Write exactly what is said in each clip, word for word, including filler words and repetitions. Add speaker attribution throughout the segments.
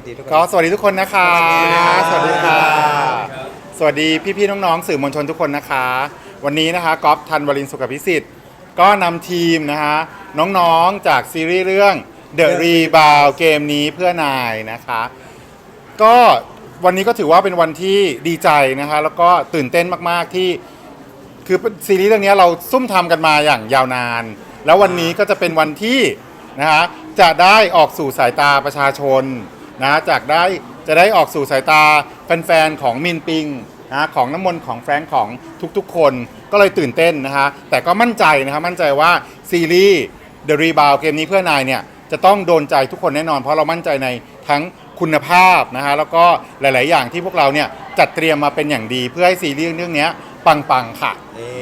Speaker 1: ดีทุกคน
Speaker 2: ก็สวัสดีทุกคนนะคะสวัสดีค่ะสวัสดีพี่ๆน้องๆสื่อมวลชนทุกคนนะคะวันนี้นะคะก๊อฟธันวรินทร์สุขพิสิทธิ์ก็นำทีมนะคะน้องๆจากซีรีส์เรื่อง The Rebound เกมนี้เพื่อนายนะคะก็วันนี้ก็ถือว่าเป็นวันที่ดีใจนะคะแล้วก็ตื่นเต้นมากๆที่คือซีรีส์เรื่องนี้เราซุ่มทำกันมาอย่างยาวนานแล้ววันนี้ก็จะเป็นวันที่นะคะจะได้ออกสู่สายตาประชาชนนะจากได้จะได้ออกสู่สายตาแฟนๆของมินปิงนะของน้ำมนต์ของแฟรงค์ของทุกๆคนก็เลยตื่นเต้นนะคะแต่ก็มั่นใจนะคะมั่นใจว่าซีรีส์ The Rebound เกมนี้เพื่อนายเนี่ยจะต้องโดนใจทุกคนแน่นอนเพราะเรามั่นใจในทั้งคุณภาพนะฮะแล้วก็หลายๆอย่างที่พวกเราเนี่ยจัดเตรียมมาเป็นอย่างดีเพื่อให้ซีรีส์เรื่องนี้ปังๆค่ะ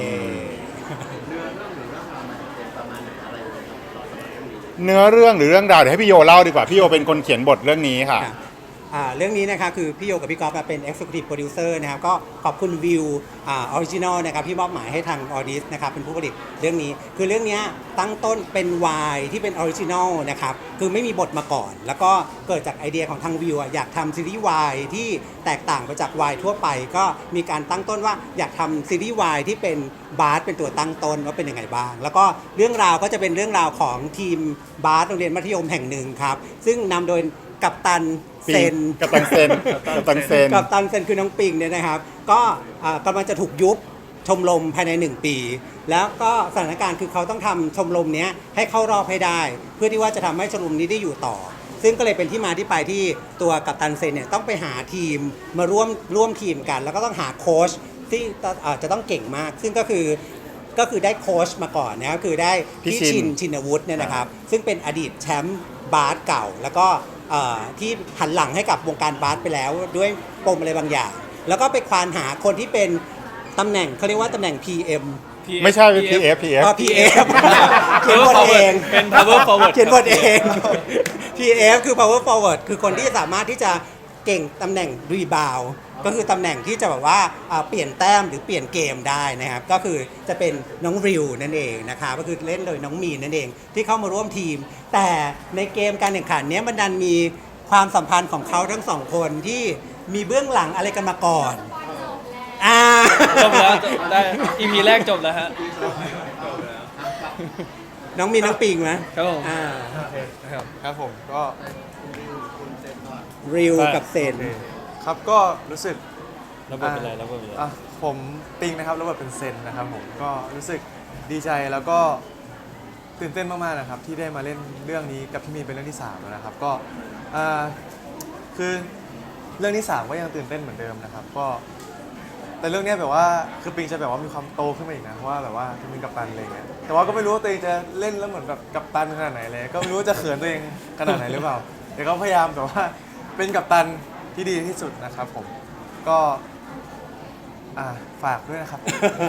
Speaker 2: เนื้อเรื่องหรือเรื่องราวเดี๋ยวให้พี่โยเล่าดีกว่าพี่โยเป็นคนเขียนบทเรื่องนี้ค่ะ
Speaker 1: เรื่องนี้นะคะคือพี่โยกับพี่ก๊อฟเป็น Executive Producer นะครับก็ขอบคุณวิวออริจินอลนะครับที่มอบหมายให้ทางออดิสนะครับเป็นผู้ผลิตเรื่องนี้คือเรื่องนี้ตั้งต้นเป็นวายที่เป็นออริจินอลนะครับคือไม่มีบทมาก่อนแล้วก็เกิดจากไอเดียของทางวิวอยากทำซีรีส์วายที่แตกต่างไปจากวายทั่วไปก็มีการตั้งต้นว่าอยากทำซีรีส์วายที่เป็นบาสเป็นตัวตั้งต้นว่าเป็นยังไงบ้างแล้วก็เรื่องราวก็จะเป็นเรื่องราวของทีมบาสโรงเรียนมัธยมแห่งหนึ่งครับซึ่งนำโดยกัปตันเซน
Speaker 2: กัปตันเซนกัปตันเซน
Speaker 1: กัปตันเซนคือน้องปิงเนี่ยนะครับก็กำลังจะถูกยุบชมรมภายในหนึ่งปีแล้วก็สถานการณ์คือเขาต้องทำชมรมนี้ให้เข้ารอบให้ได้เพื่อที่ว่าจะทำให้ชมรมนี้ได้อยู่ต่อซึ่งก็เลยเป็นที่มาที่ไปที่ตัวกัปตันเซนเนี่ยต้องไปหาทีมมาร่วมร่วมทีมกันแล้วก็ต้องหาโค้ชที่จะต้องเก่งมากซึ่งก็คือก็คือได้โค้ชมาก่อนนะครับคือได้พี่ชินชินวุฒิเนี่ยนะครับซึ่งเป็นอดีตแชมป์บาสเก่าแล้วก็ที่หันหลังให้กับวงการบาสไปแล้วด้วยปมอะไรบางอย่างแล้วก็ไปควานหาคนที่เป็นตำแหน่งเขาเรียกว่าตำแหน่ง พี เอ็ม
Speaker 2: ไม่ใช่ พี เอฟ พี เอฟ
Speaker 1: อ๋อ พี เอฟ เขียนบทเอง
Speaker 3: เป็น power forward
Speaker 1: เขียนบทเอง พี เอฟ คือ power forward คือคนที่สามารถที่จะเก่งตำแหน่ง rebound ก็คือตำแหน่งที่จะแบบว่าเปลี่ยนแต้มหรือเปลี่ยนเกมได้นะครับก็คือจะเป็นน้องริวนั่นเองนะคะก็คือเล่นโดยน้องมีนนั่นเองที่เข้ามาร่วมทีมแต่ในเกมการแข่งขันนี้มันดันมีความสัมพันธ์ของเขาทั้งสองคนที่มีเบื้องหลังอะไรกันมาก่อนอ่า
Speaker 3: จบแล้วได้ อี พี แรกจบแล้วฮะ
Speaker 1: น้องมีน้องปิงไหม
Speaker 3: ครับผม
Speaker 1: อ่า
Speaker 4: ครับผมก็
Speaker 1: ริวกับเซน
Speaker 4: ครับก็รู้สึก
Speaker 3: แล้วบทเป็นอะไรแล้วบทเป็นอะไร
Speaker 4: ผมปิงนะครับแล้วบทเป็นเซนนะครับผมก็รู้สึกดีใจแล้วก็ตื่นเต้นมากๆนะครับที่ได้มาเล่นเรื่องนี้กับพี่มีนเป็นเรื่องที่สามแล้วนะครับก็คือเรื่องที่สามก็ยังตื่นเต้นเหมือนเดิมนะครับก็แต่เรื่องนี้แบบว่าคือปิงจะแบบว่ามีความโตขึ้นมาอีกนะเพราะว่าแบบว่าจะมีกัปตันอะไรเงี้ยแต่ว่าก็ไม่รู้ว่าตัวเองจะเล่นแล้วเหมือนแบบกัปตันขนาดไหนเลยก็ไม่รู้ว่าจะเขินตัวเองขนาดไหนหรือเปล่าแต่ก็พยายามแบบว่าเป็นกัปตันที่ดีที่สุดนะครับผมก็ฝากด้วยนะครับ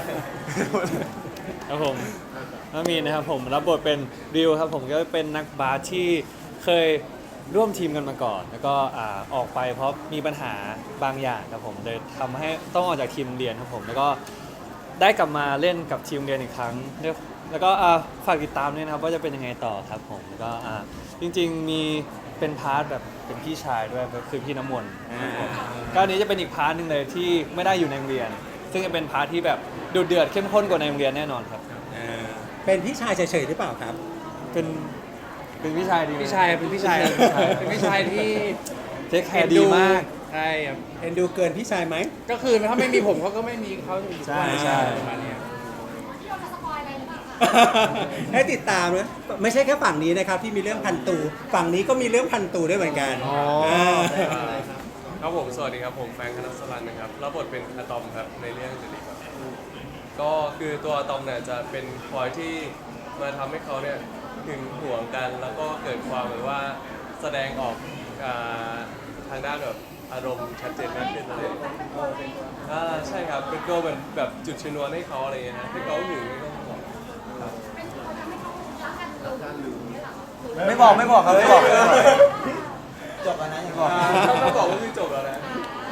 Speaker 3: ครับผมน้องมีนนะครับผมรับบทเป็นริวครับผมก็เป็นนักบาสที่เคยร่วมทีมกันมาก่อนแล้วก็ออกไปเพราะมีปัญหาบางอย่างครับผมเลยทำให้ต้องออกจากทีมเรียนครับผมแล้วก็ได้กลับมาเล่นกับทีมเรียนอีกครั้งแล้วก็ฝากติดตามด้วยนะครับว่าจะเป็นยังไงต่อครับผมแล้วก็จริงๆมีเป็นพาร์ทแบบเป็นพี่ชายด้วยก็คือพี่น้ำมนต์ก็อันนี้จะเป็นอีกพาร์ทนึงเลยที่ไม่ได้อยู่ในโรงเรียนซึ่งจะเป็นพาร์ทที่แบบดุเดือดเข้มข้นกว่าในโรงเรียนแน่นอนครับ
Speaker 1: เป็นพี่ชายเฉยๆหรือเปล่าครับ
Speaker 3: เป็นเป็นพี่ชายดี
Speaker 5: พี่ชายเป็นพี่ชายเป็นพี่ชายที่
Speaker 3: เทคแคร์ดีมาก
Speaker 5: ใช่ครับ
Speaker 1: เอ็นดูเกินพี่ชายไหม
Speaker 5: ก็คือถ้าไม่มีผมเขาก็ไม่มีเขาอยู่
Speaker 3: ใช่ใช่
Speaker 5: ประมาณนี้
Speaker 1: ให้ติดตามนะไม่ใช่แค่ฝั่งนี้นะครับที่มีเรื่องพันตูฝั่งนี้ก็มีเรื่องพันตูด้วยเหมือนกัน
Speaker 4: อ๋อ
Speaker 6: ครับผมสวัสดีครับผมแฟรงค์คณัสรันนะครับรับบทเป็นอะตอมครับในเรื่องเดลิครับก็คือตัวอะตอมเนี่ยจะเป็นคอยที่มาทำให้เขาเนี่ยหึงหวงกันแล้วก็เกิดความเหมือนว่าแสดงออกทางด้านแบบอารมณ์ชัดเจนมากขึ้นอะไรอ่าใช่ครับเป็นตัวเหมือนแบบจุดชนวนให้เขาอะไรอย่างเงี้ยนะให้เขาหึง
Speaker 4: ไม่บอกไม่บอกครับไม่บอก
Speaker 1: จบแล้วนะยัง
Speaker 6: บอกถ้าบอกว่าคือจบแล้วนะ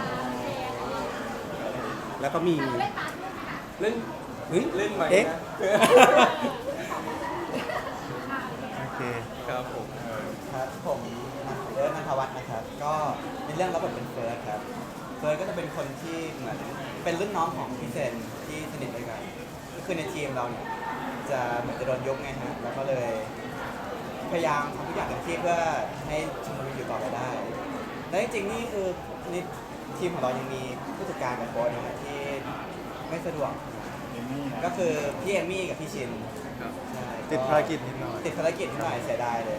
Speaker 1: แล้วก็มี
Speaker 6: เล่นเล่นใหม่นะ
Speaker 4: โอเค
Speaker 6: ครับผม
Speaker 7: ครับผมเอิร์ธนันทวัฒน์นะครับก็ก็ในเรื่องรับบทเป็นเฟิร์สครับเฟิร์สก็จะเป็นคนที่เหมือนเป็นรุ่นน้องของพี่เซนที่สนิทด้วยกันก็คือในทีมเราเนี่ยจะเหมือนจะโดนยกไงฮะแล้วก็เลยพยายามทำทุกอย่างเต็มที่เพื่อให้ชมรมอยู่ต่อไปได้และจริงๆนี่คือในทีมของเรายังมีผู้จัดการกับโค้ชนะฮะที่ไม่สะดวก ก็คือพี่เอมมี่กับพี่ชินใช่
Speaker 4: ติดภารกิจนิดหน่อย
Speaker 7: ติดภารกิจนิดหน่อยเสียดายเลย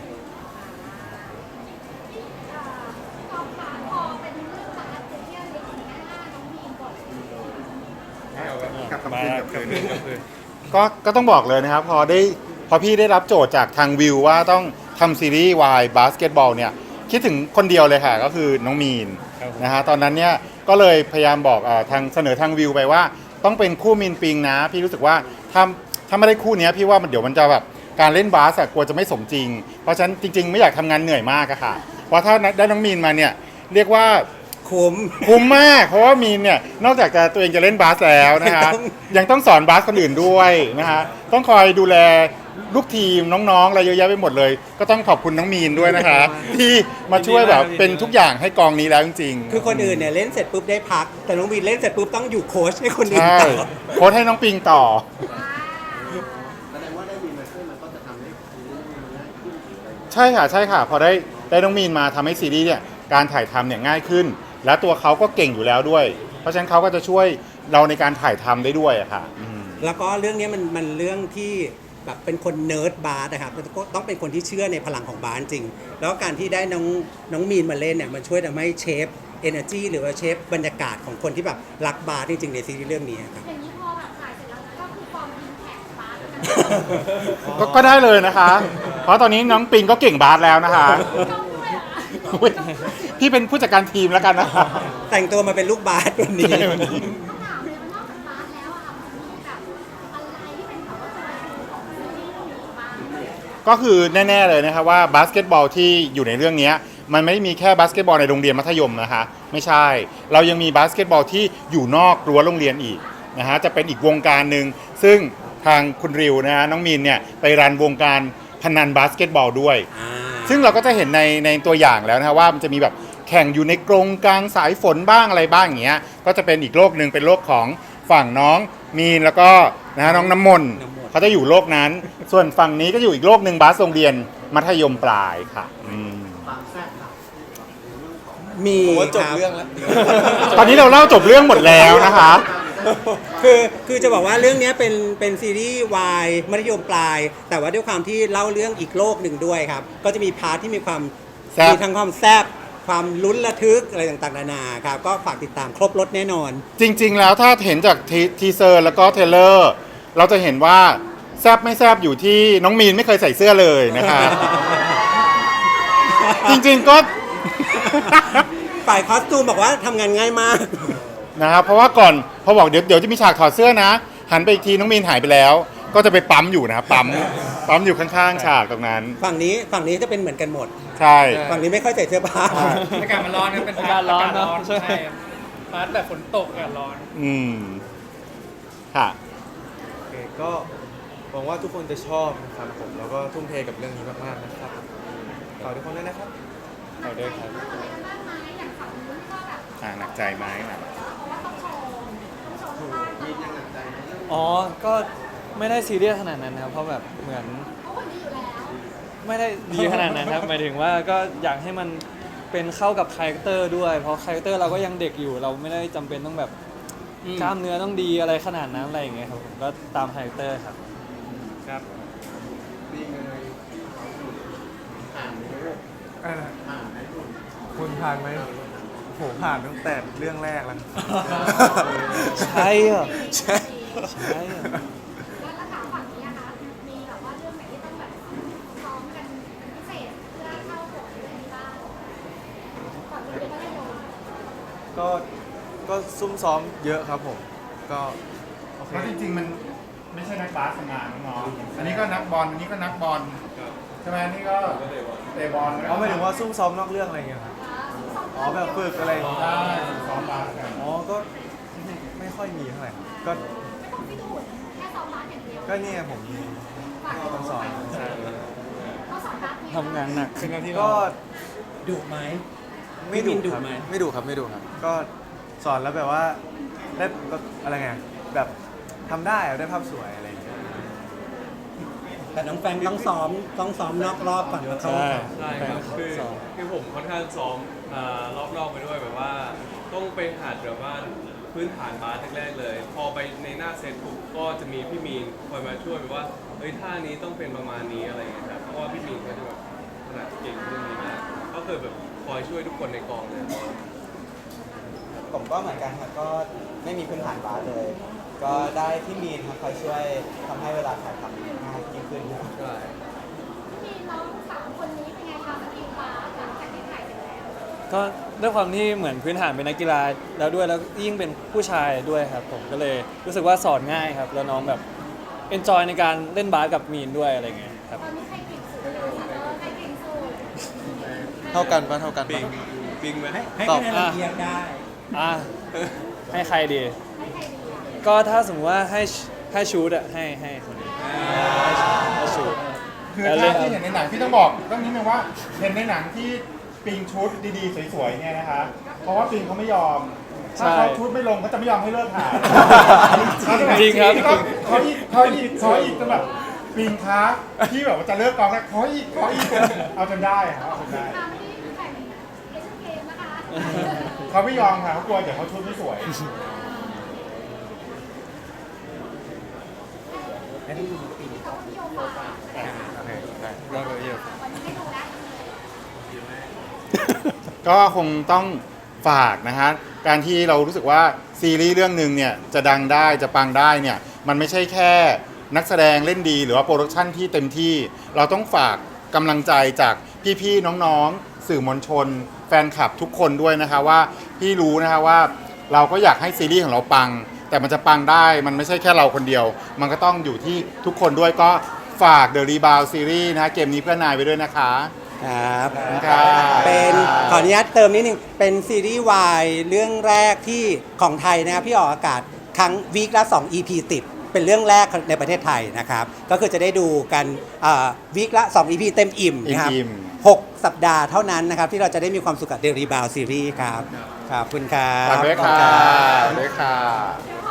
Speaker 8: ความผ่านพอเป็นเรื่องบาสเที่ยวเล็กหน้าน้องมีนก่อน
Speaker 2: กลับ
Speaker 3: มา
Speaker 2: คืน
Speaker 3: ค
Speaker 2: ก
Speaker 3: รั
Speaker 2: ลั
Speaker 3: บบ
Speaker 2: คืน
Speaker 3: คืนกับคืน
Speaker 2: ก็ก็ต้องบอกเลยนะครับ พอได้พอพี่ได้รับโจทย์จากทางวิวว่าต้องทำซีรีส์วายบาสเกตบอลเนี่ยคิดถึงคนเดียวเลยค่ะ ก็คือน้องมีน
Speaker 3: ครับผม
Speaker 2: นะฮะตอนนั้นเนี่ยก็เลยพยายามบอกเออทางเสนอทางวิวไปว่า ต้องเป็นคู่มีนปิงนะ พี่รู้สึกว่าถ้าถ้าไม่ได้คู่เนี้ยพี่ว่ามันเดี๋ยวมันจะแบบการเล่นบาสอะกลัวจะไม่สมจริง เพราะฉะนั้นจริง ๆ ไม่อยากทำงานเหนื่อยมากอะค่ะเพราะถ้าได้น้องมีนมาเนี่ยเรียกว่า
Speaker 1: คุ้ม
Speaker 2: คุ้มมาก เพราะว่ามีนเนี่ยนอกจากจะตัวเองจะเล่นบาสแล้วนะฮะ
Speaker 1: ต้อง
Speaker 2: ยังต้องสอนบาสคนอื่นด้วยนะฮะต้องคอยดูแลลูกทีมน้องๆอะไรเยอะแยะไปหมดเลย ก็ต้องขอบคุณน้องมีนด้วยนะคะ ที่มาช่วยแบบเป็นทุกอย่างให้กองนี้แล้วจริงๆ
Speaker 1: คือคนอื่นเนี่ยเล่นเสร็จปุ๊บได้พัก แต่น้องวีนเล่นเสร็จปุ๊บต้องอยู่โค้ชให้คนอื่น
Speaker 2: ใช่
Speaker 1: ต่อ
Speaker 2: โค้ชให้น้องปิงต่อ ใช่ค่ะใช่ค่ะ พอได้ได้น้องมีนมาทำให้ซีรีส์เนี่ยการถ่ายทำเนี่ยง่ายขึ้น และตัวเขาก็เก่งอยู่แล้วด้วย เพราะฉะนั้นเขาก็จะช่วยเราในการถ่ายทำได้ด้วยอะค่ะอืม
Speaker 1: แล้วก็เรื่องนี้มันมันเรื่องที่แบบเป็นคนเนิร์ดบาสนะครับก็ต้องเป็นคนที่เชื่อในพลังของบาสจริง แล้วการที่ได้น้องน้องมีนมาเล่นเนี่ยมันช่วยทำให้เชฟเอเนอร์จีหรือว่าเชฟบรรยากาศของคนที่แบบรักบาสจริงๆในซีรีส์เรื่องนี้ครับ
Speaker 8: อย่างนี้พอแบบถ่ายเสร็จแล้วก็คือฟอร์มทีมแข่งบาสกัน
Speaker 2: ก็ก็ได้เลยนะคะ เพราะตอนนี้น้องปิงก็เก่งบาสแล้วนะคะ
Speaker 8: ต้องด้วยเหรอ
Speaker 2: อุ๊ยพี่เป็นผู้จัดการทีมแล้วกันนะคะ
Speaker 1: แต่งตัวมาเป็นลูกบาสวันนี้
Speaker 8: ต้องถามเลยว่านอกจากบาสแล้วอะค่ะมันมีแบบอะไรที่เป็นแบบว่าตัวเองของซีรีส์เรื่องนี้บ้าง
Speaker 2: ก็คือแน่ๆเลยนะครับว่าบาสเกตบอลที่อยู่ในเรื่องนี้มันไม่ได้มีแค่บาสเกตบอลในโรงเรียนมัธยมนะคะไม่ใช่ เรายังมีบาสเกตบอลที่อยู่นอกรั้วโรงเรียนอีกนะฮะจะเป็นอีกวงการหนึ่งซึ่งทางคุณริวนะฮะน้องมีนเนี่ยไปรันวงการพนันบาสเกตบอลด้วย ซึ่งเราก็จะเห็นในในตัวอย่างแล้วนะฮะว่ามันจะมีแบบแข่งอยู่ในกรงกลางสายฝนบ้างอะไรบ้างอย่างเงี้ยก็จะเป็นอีกโลกหนึ่งเป็นโลกของฝั่งน้องมีนแล้วก็นะฮะน้องน้ำมนต์
Speaker 1: น้ำมนต์
Speaker 2: เขาจะอยู่โลกนั้น ส่วนฝั่งนี้ก็อยู่อีกโลกหนึ่งบาสโรงเรียนมัธยมปลายค่ะอืม
Speaker 1: มี
Speaker 4: ผมว่าจบ
Speaker 1: คบ
Speaker 4: เรื่องแล้ว
Speaker 2: ตอนนี้เราเล่าจบเรื่องหมดแล้วนะคะ
Speaker 1: คือคือจะบอกว่าเรื่องนี้เป็นเป็นซีรีส์วายมัธยมปลาย แต่ว่าด้วยความที่เล่าเรื่องอีกโลกหนึ่งด้วยครับ ก็จะมีพาร์ทที่มีความ
Speaker 2: แซ่บ
Speaker 1: มีทั้งความแซ่บความลุ้นระทึกอะไรต่างๆนานาครับ ก็ฝากติดตามครบรถแน่นอน
Speaker 2: จริง ๆ แล้วถ้าเห็นจากทีทีเซอร์แล้วก็เทรลเลอร์ เราจะเห็นว่าแซบไม่แซบอยู่ที่น้องมีนไม่เคยใส่เสื้อเลยนะคะ จริงๆก็
Speaker 1: ฝ่ายคอสตูมบอกว่าทำงานง่ายมาก
Speaker 2: นะครับเพราะว่าก่อนพอบอกเดี๋ยวเดี๋ยวจะมีฉากถอดเสื้อนะ หันไปอีกทีน้องมีนหายไปแล้ว ก็จะไปปั๊มอยู่นะปั๊มปั๊มอยู่ข้างๆฉากตรงนั้น
Speaker 1: ฝั่งนี้ฝั่งนี้จะเป็นเหมือนกันหมด
Speaker 2: ใช่
Speaker 1: ฝั่งนี้ไม่ค่อยใส่เสื้อผ้า
Speaker 5: อากาศมันร้อนครับเป็น
Speaker 3: อากาศร้อนเนอะ
Speaker 5: ใช่พาร์ทแบบฝนตกอากาศร้อน
Speaker 2: อืมค่ะ
Speaker 4: โอเคก็หวังว่าทุกคนจะชอบนะครับผมแล้วก็ทุ่มเทกับเรื่องนี้มากๆนะครับฝากทุกคนด้วยนะครับ
Speaker 3: เอาด้วยครับ
Speaker 8: อะไรกันบ้างไหมอย่างฝั่งนู้นก็แบบ
Speaker 2: อ่าหนักใจไหมนะ
Speaker 8: เพราะว่าต้องโชว์ต้องโชว์ที่บ้านก่อน
Speaker 3: อ๋อ ก็ไม่ได้ซีเรียสขนาดนั้นนะครับ เพราะแบบเหมือน
Speaker 8: เพราะวันนี้อยู่แล้ว
Speaker 3: ไม่ได้ดีขนาดนั้นครับ หมายถึงว่าก็อยากให้มันเป็นเข้ากับคาแรคเตอร์ด้วย เพราะคาแรคเตอร์เราก็ยังเด็กอยู่ เราไม่ได้จำเป็นต้องแบบ
Speaker 1: อืม
Speaker 3: กล้ามเนื้อต้องดีอะไรขนาดนั้นอะไรอย่างเงี้ยครับผมก็ตามคาแรคเตอร์ครับ
Speaker 5: ครับ
Speaker 4: คุณผ่านไหมโหผ่านตั้งแต่เรื่องแรกแล้ว
Speaker 3: ใช่เหรอ
Speaker 4: ใช่
Speaker 3: ใช่เหรอ
Speaker 8: แล้วระดับฝั่งนี้นะคะมีแบบว่าเรื่องไหนที่ต้องแบบซ้อมกันเป็นพิเศษเพื่อเข้าบทอะไรบ้างฝั่งนี้เป็นมัธยม
Speaker 4: ก็ก็ซุ่มซ้อมเยอะครับผม ก็โอเค
Speaker 2: เพราะจริงๆมันไม่ใช่นักบาสทำงานน้องๆอันนี้ก็นักบอลอันนี้ก็นักบอลใช่ไหมอันนี่ก็เตะบอล
Speaker 4: อ๋อหมายถึงว่าซุ่มซ้อมนอกเรื่องอะไรอย่างเงี้ยครับอ๋อแบบฝึกอะไรอย่างเงี้ย
Speaker 2: ได้ซ้อมบาสกัน
Speaker 4: อ๋อก็ไม่ค่อยมีเท่าไหร่ครับก็
Speaker 8: ไม่ต้องพิสูจน์แค่ซ้อมบาสอย่างเดียว
Speaker 4: ก็เนี่ยผมมี
Speaker 8: ฝั่ง
Speaker 4: ต้องสอน
Speaker 8: เขาสอนบาสเนี่ย
Speaker 3: ทำงานหนัก
Speaker 5: เป็นหน้าที่
Speaker 4: ก็
Speaker 1: ดุไหม
Speaker 4: ดไม่ดุ
Speaker 1: พี่มินดุ
Speaker 4: ครับ
Speaker 1: ไหม
Speaker 4: ไม่ดุครับไม่ดุครับ ก็สอนแล้วแบบว่าได้แบบอะไรไงแบบทำได้อะได้ภาพสวยอะไรอย่างเงี้ย
Speaker 1: แต่น้องแฟนต้องซ้อมต้องซ้อมนอกรอบก่อนมาเข้า
Speaker 3: ใช่
Speaker 6: ใช่ครับคือ
Speaker 3: ซ้อม
Speaker 6: คือผมค่อนข้างซ้อมอ่ารอบนอกไปด้วยแบบว่า ต้องไปหัดแบบว่าพื้นฐานบาสแรกๆเลย พอไปในหน้าเซตปุ๊บก็จะมีพี่มีนคอยมาช่วยแบบว่าเฮ้ยท่านี้ต้องเป็นประมาณนี้อะไรอย่างเงี้ยครับเพราะว่าพี่มีนเขาจะแบบถนัดเก่งเรื่องนี้มากก็คือแบบคอยช่วยทุกคนในกองเลย
Speaker 7: ผมก็เหมือนกันครับก็ไม่มีพื้นฐานบาสเลย ก็ได้พี่มีนครับคอยช่วยทำให้เวลาถ่ายทำง่ายยิ่งขึ้นครับ
Speaker 6: ใช่
Speaker 8: พี่น้องสามคนนี้เป็นไงคะสกิลบาสหลังจากที่ถ่ายเสร็จแล้ว
Speaker 3: ก็ด้วยความที่เหมือนพื้นฐานเป็นนักกีฬาแล้วด้วยแล้วยิ่งเป็นผู้ชายด้วยครับผมก็เลยรู้สึกว่าสอนง่ายครับ แล้วน้องแบบเอนจอยในการเล่นบาสกับมีนด้วยอะไรเงี้ยครับ
Speaker 8: ตอนนี้ใครเก่งสุดเลยคะใครเก่งสุด
Speaker 4: เท่ากันปะเท่ากัน
Speaker 6: ปิ
Speaker 4: ปะ
Speaker 6: งปิงไหม
Speaker 1: ให้ให้
Speaker 3: ตอบ
Speaker 1: คะแนนเราเทียบได้
Speaker 3: อ่ะให้ใครดี
Speaker 8: ให้ใครดีอ่ะ
Speaker 3: ก็ถ้าสมมติว่าให้ให้ชูดอะให้ให้คนนี้ให้ชูด
Speaker 2: คือ
Speaker 3: แล้ว
Speaker 2: ถ้า
Speaker 3: เล่น
Speaker 2: ที่เห็นในหนังที่ต้องบอกต้องนิดนึงว่าเห็นในหนังที่ปิงชุดดีๆสวยๆไงนะคะ เพราะว่าปิงเขาไม่ยอม ถ้าเขาชุดไม่ลงเขาจะไม่ยอมให้เลิกถ่าย
Speaker 3: จริงครับ
Speaker 2: เขาอีกเขาอีกเขาอีกจนแบบปิงคะที่แบบว่าจะเลิกกองแล้วขออีกขออีกเอาจนได้ครับเอาจนได้
Speaker 8: ตามที่แข่งเอเชียนเกมนะคะ
Speaker 2: เขาไม่ยอมค่ะเขากลัวเดี๋ยวเขาชุดไม่สวย
Speaker 1: ให้ได้ดูปี
Speaker 8: เขานิยมบาส
Speaker 4: โอเคได้
Speaker 3: แล้วก็เยอะ
Speaker 8: วันนี้ให้ดูแล้ว
Speaker 2: ก็คงต้องฝากนะฮะการที่เรารู้สึกว่าซีรีส์เรื่องหนึ่งเนี่ยจะดังได้จะปังได้เนี่ยมันไม่ใช่แค่นักแสดงเล่นดีหรือว่าโปรดักชันที่เต็มที่ เราต้องฝากกำลังใจจากพี่ๆน้องๆสื่อมวลชน แฟนคลับทุกคนด้วยนะคะว่าพี่รู้นะคะว่าเราก็อยากให้ซีรีส์ของเราปัง แต่มันจะปังได้มันไม่ใช่แค่เราคนเดียว มันก็ต้องอยู่ที่ทุกคนด้วยก็ฝาก The Rebound Series นะฮะเกมนี้เพื่อนนายไปด้วยนะคะ
Speaker 1: ครับ
Speaker 2: ครับ
Speaker 1: เป็นขออนุญาตเติมนิดนึงเป็นซีรีส์วายเรื่องแรกที่ของไทยนะครับที่ออกอากาศครั้งวีคละสอง อี พี ติด เป็นเรื่องแรกในประเทศไทยนะครับ ก็คือจะได้ดูกันวีคละสอง อี พี เต็มอิ่มนะครับ
Speaker 2: อิ่ม
Speaker 1: หกสัปดาห์เท่านั้นนะครับ ที่เราจะได้มีความสุขกับ The Rebound Series ครับขอบคุณครับ
Speaker 2: ฝากด้วยค่ะ
Speaker 1: ขอบณรับ
Speaker 2: ฝากด้วยค่ะ
Speaker 8: เดี๋ยว